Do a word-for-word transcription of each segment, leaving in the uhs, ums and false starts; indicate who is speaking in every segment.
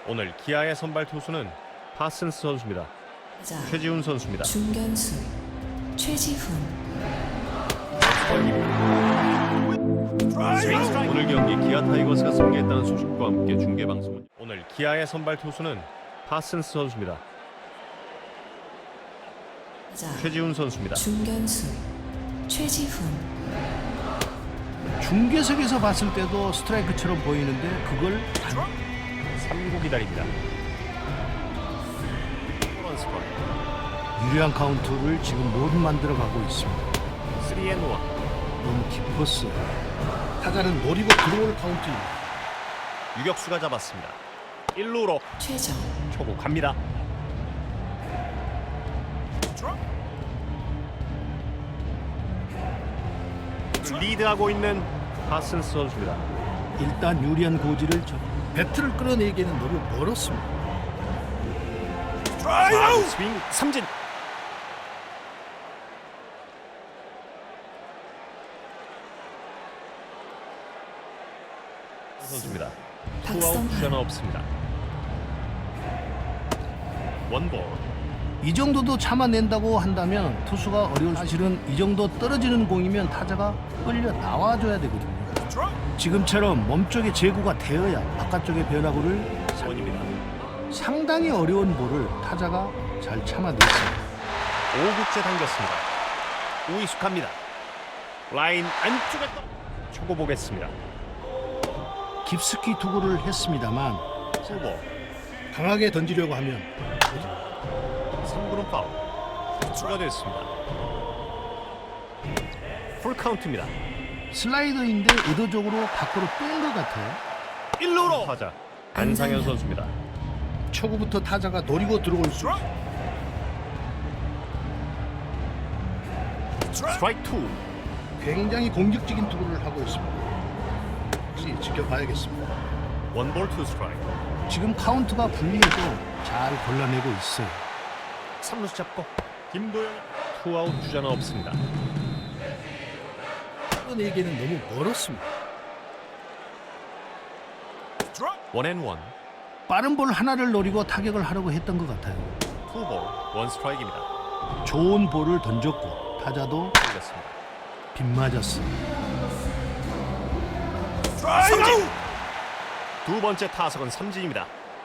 Speaker 1: 오늘 기아의 선발 투수는 파슨스 선수입니다.
Speaker 2: 자,
Speaker 1: 최지훈 선수입니다.
Speaker 2: 중견수 최지훈.
Speaker 1: 오늘 경기 기아 타이거스가 승리했다는 소식과 함께 중계 방송은 오늘 기아의 선발 투수는 파슨스 선수입니다.
Speaker 2: 자,
Speaker 1: 최지훈 선수입니다.
Speaker 2: 중견수 최지훈.
Speaker 3: 중계석에서 봤을 때도 스트라이크처럼 보이는데 그걸
Speaker 1: 삼 구 기다립니다.
Speaker 3: 유리한 카운트를 지금 못 만들어가고 있습니다.
Speaker 1: 삼 앤 일.
Speaker 3: 너무 깊었어. 타자는 노리고 들어올 카운트입니다.
Speaker 1: 유격수가 잡았습니다. 일 루로
Speaker 2: 최정.
Speaker 1: 초구 갑니다. 리드하고 있는 파슨스 선수입니다.
Speaker 3: 일단 유리한 고지를 저 배트를 끌어내기에는 너무 멀었습니다.
Speaker 1: 사 구 스윙 삼진. 선수입니다. 투아웃
Speaker 2: 박성환.
Speaker 1: 주자는 없습니다. 원볼.
Speaker 3: 이 정도도 참아낸다고 한다면 투수가 어려울 사실은 이 정도 떨어지는 공이면 타자가 끌려 나와줘야 되거든요. 지금처럼 몸쪽에 제구가 되어야 바깥쪽의 변화구를
Speaker 1: 원입니다.
Speaker 3: 상당히 어려운 볼을 타자가 잘 참아냈습니다.
Speaker 1: 오 구째 당겼습니다. 우익수 갑니다. 라인 안쪽에 떠. 초구 보겠습니다.
Speaker 3: 깊숙이 투구를 했습니다만
Speaker 1: 투볼.
Speaker 3: 강하게 던지려고 하면
Speaker 1: 삼 구는 파울. 추가됐습니다. 풀 카운트입니다.
Speaker 3: 슬라이더인데 의도적으로 밖으로 뺀 것 같아요.
Speaker 1: 일 루로 타자 안상현 선수입니다.
Speaker 3: 초구부터 타자가 노리고 들어올 수 있어요.
Speaker 1: 스트라이크 투.
Speaker 3: 굉장히 공격적인 투구를 하고 있습니다. 혹시 지켜봐야겠습니다.
Speaker 1: 원볼 투 스트라이크.
Speaker 3: 지금 카운트가 불리해도 잘 골라내고 있어요.
Speaker 1: 삼 루수 잡고 김도영. 투아웃 주자는 없습니다.
Speaker 3: 끌어내기에는 너무 멀었습니다.
Speaker 1: 원앤 원.
Speaker 3: 빠른 볼 하나를 노리고 타격을 하려고 했던 것 같아요.
Speaker 1: 투볼 원 스트라이크입니다.
Speaker 3: 좋은 볼을 던졌고 타자도
Speaker 1: 걸렸습니다.
Speaker 3: 빗맞았어.
Speaker 1: 삼진. 두 번째 타석은 삼진입니다.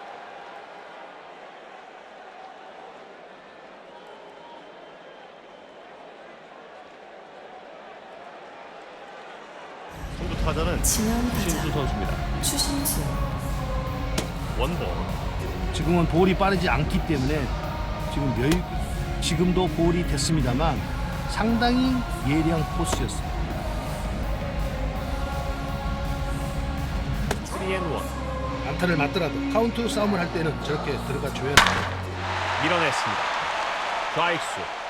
Speaker 1: 선두 타자는
Speaker 2: 지명
Speaker 1: 신수
Speaker 2: 타자
Speaker 1: 선수입니다.
Speaker 2: 추신수.
Speaker 1: 원볼.
Speaker 3: 지금은 볼이 빠르지 않기 때문에 지금 여유 지금도 볼이 됐습니다만 상당히 예리한 코스였어요.
Speaker 1: 삼 앤 일.
Speaker 3: 안타를 맞더라도 카운트 싸움을 할 때는 저렇게 들어가 줘야 돼요.
Speaker 1: 밀어냈습니다. 좌익수